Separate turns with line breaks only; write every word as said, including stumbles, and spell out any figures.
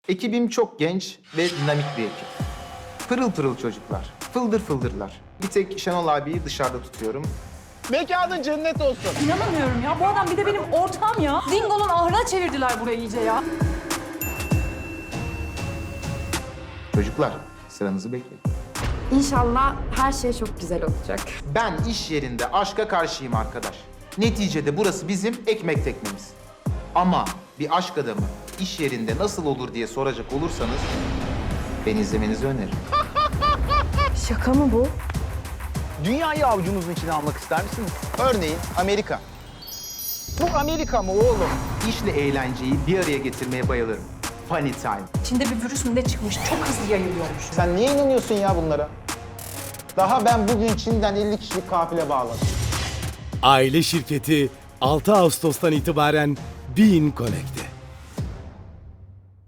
Ekibim çok genç ve dinamik bir ekip. Pırıl pırıl çocuklar, fıldır fıldırlar. Bir tek Şenol abiyi dışarıda tutuyorum.
Mekanın cennet olsun.
İnanamıyorum ya. Bu adam bir de benim ortağım ya. Dingo'nun ahırına çevirdiler burayı iyice ya.
Çocuklar, sıranızı bekleyin.
İnşallah her şey çok güzel olacak.
Ben iş yerinde aşka karşıyım arkadaş. Neticede burası bizim ekmek teknemiz. Ama bir aşk adamı iş yerinde nasıl olur diye soracak olursanız beni izlemenizi öneririm.
Şaka mı bu?
Dünyayı avucunuzun içine almak ister misiniz? Örneğin Amerika. Bu Amerika mı oğlum?
İşle eğlenceyi bir araya getirmeye bayılırım. Funny time.
Çin'de bir virüs mü ne çıkmış? Çok hızlı yayılıyormuş.
Sen niye inanıyorsun ya bunlara? Daha ben bugün Çin'den elli kişilik kafile bağladım.
Aile şirketi altı Ağustos'tan itibaren Bein Connected.